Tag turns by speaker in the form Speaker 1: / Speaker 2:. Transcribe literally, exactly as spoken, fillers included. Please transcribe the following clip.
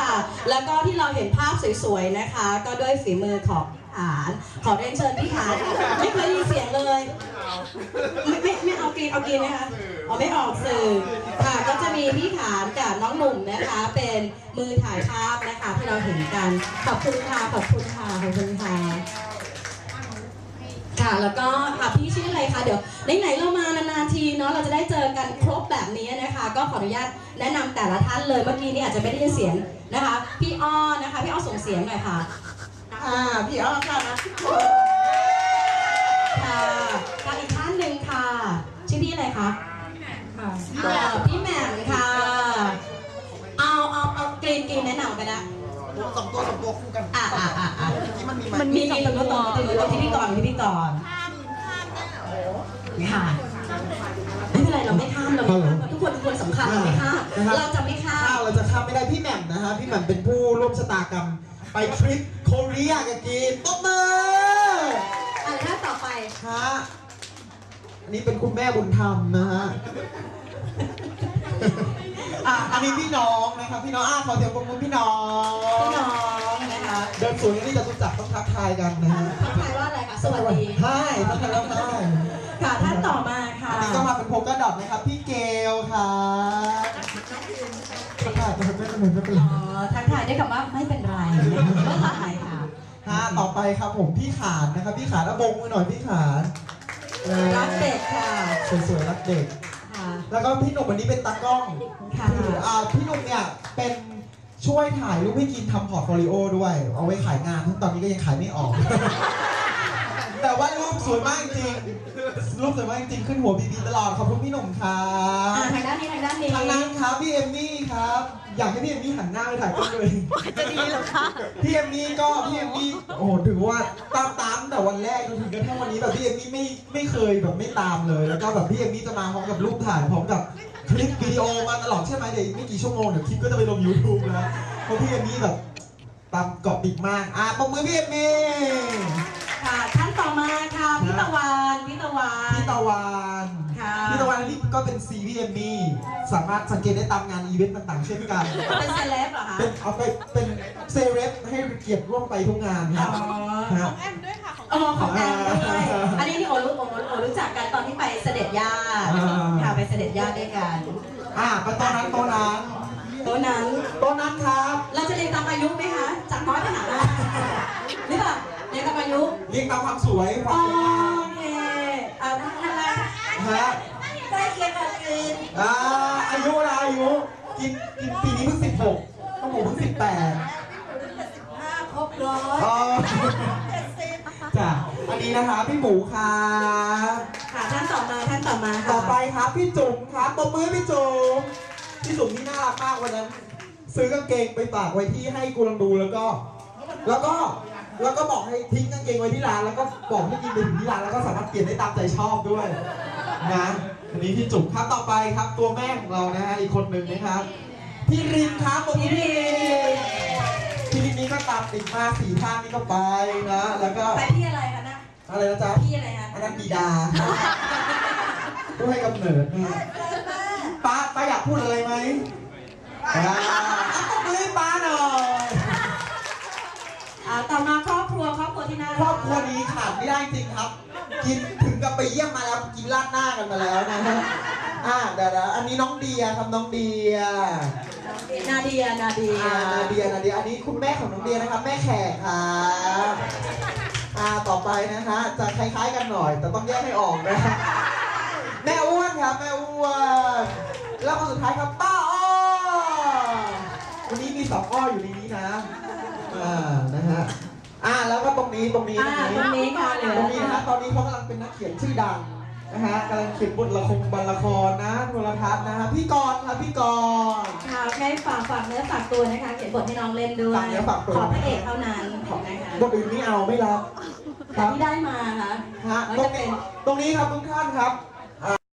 Speaker 1: ค่ะแล้วก็ที่เราเห็นภาพสวยๆนะคะก็ด้วยฝีมือของขานขอเรียนเชิญพี่ขานไม่เคยได้ยินเสียงเลยไม่ไม่ไม่เอากินเอากินนะคะอ๋อไม่ออกสื่อค่ะก็จะมีพี่ขานกับน้องหนุ่มนะคะเป็นมือถ่ายภาพนะคะที่เราเห็นกันขอบคุณค่ะขอบคุณค่ะขอบคุณค่ะค่ะแล้วก็ค่ะพี่ชื่ออะไรคะเดี๋ยวไหนๆเรามานานๆทีเนาะเราจะได้เจอกันครบแบบนี้นะคะก็ขออนุญาตแนะนำแต่ละท่านเลยเมื่อกี้นี่อาจจะไม่ได้ยินเสียงนะคะพี่อ้อนะคะพี่อ้อส่งเสียงหน่อยค่ะ
Speaker 2: อ่าพี่อ้อค่ะนะ
Speaker 1: ค่ะกับอีกท่านหนึ่งค่ะชื่อพี่อะไรคะค่ะพี่แหม่มค่ะเอาเอาเอากรีนกรีนแนะนำไปละ
Speaker 2: สองตัวสองตัวคู่กัน
Speaker 1: อ่าอ่าอ่าอ่า
Speaker 2: ที่มันมี
Speaker 1: มันมีสองตัวตัวตัวที่พี่ก่อนที่พี่ก่อนค่ะไม่เป็นไรเราไม่ข้ามเราไม่ข้ามทุกคนทุกคนสำคัญเราไม่ข้ามเราจะไม่ข้าม
Speaker 2: เราจะข้ามไม่ได้พี่แหม่มนะฮะพี่แหม่มเป็นผู้ร่วมชะตากรรมไปทริปโคเรียกับกีนต๊บมือ
Speaker 1: อะไรท่าต่อไป
Speaker 2: ฮะอันนี้เป็นคุณแม่บุญธรรมนะฮะอ่ะอันนี้พี่น้องนะครับพี่น้องอ่ะขอเสียงปรบมือพี่น้อง
Speaker 1: พี่น้องนะคะ
Speaker 2: เดินสวนนี่จะรู้จักต้องทักทายกันนะฮะ
Speaker 1: ทักทายว่าอะไรคะสวัสดี
Speaker 2: ใช่ทักทายแล้วใช่
Speaker 1: ค่ะท่านต่อมาค่ะ
Speaker 2: อันนี้ก็มาเป็นโพกกระดอกนะครับพี่เกลค่ะทักทายไม่เป็นไรไม่เป็นไร
Speaker 1: อ๋อทักทายได้คำว่าไม่เป็นไรไม่ทักทายค่ะ
Speaker 2: ฮะต่อไปครับผมพี่ขานนะครับพี่ขานแล้วบงมือหน่อยพี่ขาน
Speaker 1: รักเด็กค่ะ
Speaker 2: สวยๆรักเด็กแล้วก็พี่หนุ่มวันนี้เป็นตากล้อง
Speaker 1: ค่ะ
Speaker 2: พี่หนุ่มเนี่ยเป็นช่วยถ่ายรูปให้กินทำพอร์ตโฟลิโอด้วยเอาไว้ขายงานทั้งตอนนี้ก็ยังขายไม่ออกแต่ว่ารูปสวยมากจริงรูปสวยมากจริงขึ้นหัวบีบีตลอดขอบคุณพี่หนุ่มครับ
Speaker 1: ทางด้านนี้ทางด้านนี้
Speaker 2: ทางนั้นครับพี่เอมมี่ครับอยากให้พี่เอมมี่หันหน้าไปถ่ายกล้องเลย
Speaker 3: จะดีหรอคะ
Speaker 2: พี่เอมมี่ก็พี่เอมมี่โอ้โหถือว่าตามตามแต่วันแรกจนถึงกระทั่งวันนี้แบบพี่เอมมี่ไม่ไม่เคยแบบไม่ตามเลยแล้วก็แบบพี่เอมมี่จะมาพร้อมกับรูปถ่ายพร้อมกับคลิปวิดีโอมาตลอดใช่ไหมเดี๋ยวไม่กี่ชั่วโมงเดี๋ยวคลิปก็จะไปลง ยูทูบ แล้วเพราะพี่เอมมี่แบบตามเกาะติดมากอ่ะปรบมือพี่เอมมี่
Speaker 1: ค่ะท่านต่อมาค่ะพี่ตะวันพี่ตะวัน
Speaker 2: พี่ตะวัน
Speaker 1: ค่ะ
Speaker 2: พี่ตะวันนี่ก็เป็นซีพี่เอมมี่สามารถสังเกตได้ตามงานอีเวนต์ต่างๆเช่นกัน
Speaker 1: เป็นเซเลบเหรอคะ
Speaker 2: เป็นเอาไปเป็นเซเลบให้เกียรติร่วมไปทุกงานครับ
Speaker 3: ของแอมด้วยค่ะ
Speaker 1: ของอ๋อของแอมด้วยอันนี้นี่โอรู้โอโอรู้จักกันตอนที่ไปเสด็จย่าค่ะไปเสด็จย่าด้วยกัน
Speaker 2: อ่าไปตอนนั้นตอนนั้น
Speaker 1: โต๊ะนั้น
Speaker 2: โต๊ะนั้นครับ
Speaker 1: เราจะเรียงตามอายุไหมคะจากน้อยไปหามากหรือเปล่าเรียงตามอายุ
Speaker 2: เรียงตามความสวยความ
Speaker 1: สวยโอเคอ่าท่านอะไร
Speaker 2: ฮะ
Speaker 1: ใกล้เคียงกันกิน
Speaker 2: อ่าอายุอะไรอายุกินกินปีนี้เพิ่งสิบหกต้องผมเพิ่งสิบแปด
Speaker 1: สิบห้าครบร้อยเจ็ดสิบ
Speaker 2: จ้ะอันนี้นะคะพี่หมูค่ะ
Speaker 1: ค่ะท่านต่อมาท่านต่อมา
Speaker 2: ต่อไปครับพี่จุ๋มครับตบมือพี่จุ๋มพี่จุ๋มนี่น่ารักมากวันนั้นซื้อกางเกงไปฝากไว้ที่ให้กูลองดูแล้วก็แล้วก็แล้วก็บอกให้ทิ้งกางเกงไว้ที่ร้านแล้วก็บอกให้กินไปถึงที่ร้านแล้วก็สามารถเปลี่ยนได้ตามใจชอบด้วยนะอันนี้พี่จุ๋มครับต่อไปครับตัวแม่ของเรานะฮะอีกคนหนึ่งนะครับพี่รินครับพี่รินพี่รินนี่ก็ตามติดมาสี่ท่านนี่ก็ไปนะแล้วก็
Speaker 1: ไปพี่อะไรคะนะ
Speaker 2: อะไรนะจ๊ะ
Speaker 1: พี่อะไรคะ
Speaker 2: อันนั้นบิดาผู้ให้กำเนิดนะป้าป้าอยากพูดอะไรไหมอ่าตบมือป้าหน่อย
Speaker 1: อ่าต่อมาครอบครัวครอบครัวที่น่ารัก
Speaker 2: ครอบครัวนี้ขาดไม่ได้จริงครับกินถึงกับไปเยี่ยมมาแล้วกินราดหน้ากันมาแล้วนะฮะอ่าเดี๋ยวอันนี้น้องเดียครับน้องเดีย
Speaker 1: นาเดียนาเดีย
Speaker 2: นาเดียนาเดียอันนี้คุณแม่ของน้องเดียนะครับแม่แขกครับอ่าต่อไปนะฮะจะคล้ายๆกันหน่อยแต่ต้องแยกให้ออกนะแม่อ้วนครับแม่อ้วนแล้วคนสุดท้ายครับป้าอ้อวันนี้มีสองอ้ออยู่ในนี้นะอ่านะฮะอ่าแล้วก็ตรงนี้ตรงนี้
Speaker 1: ตรงนี้ค่ะ
Speaker 2: ตรงนี้นะฮะตอนนี้เขากำลังเป็นนักเขียนชื่อดังนะฮะกำลังเขียนบทละครบทละครนะโทรทัศน์นะฮะพี่กรณ์ครับพี่กรณ์
Speaker 1: ค่ะแค่ฝากฝากเนื้อฝากตัวนะคะเขียนบทให้น้องเล่นด้วย
Speaker 2: ฝากเนื้อฝากตัว
Speaker 1: ขอพระเอกเท่านั้นนะคะ
Speaker 2: บทอื่นไม่เอาไม่รับ
Speaker 1: ที่ได้มาค่ะ
Speaker 2: ฮะตรงนี้ตรงนี้ครับทุกท่านครับ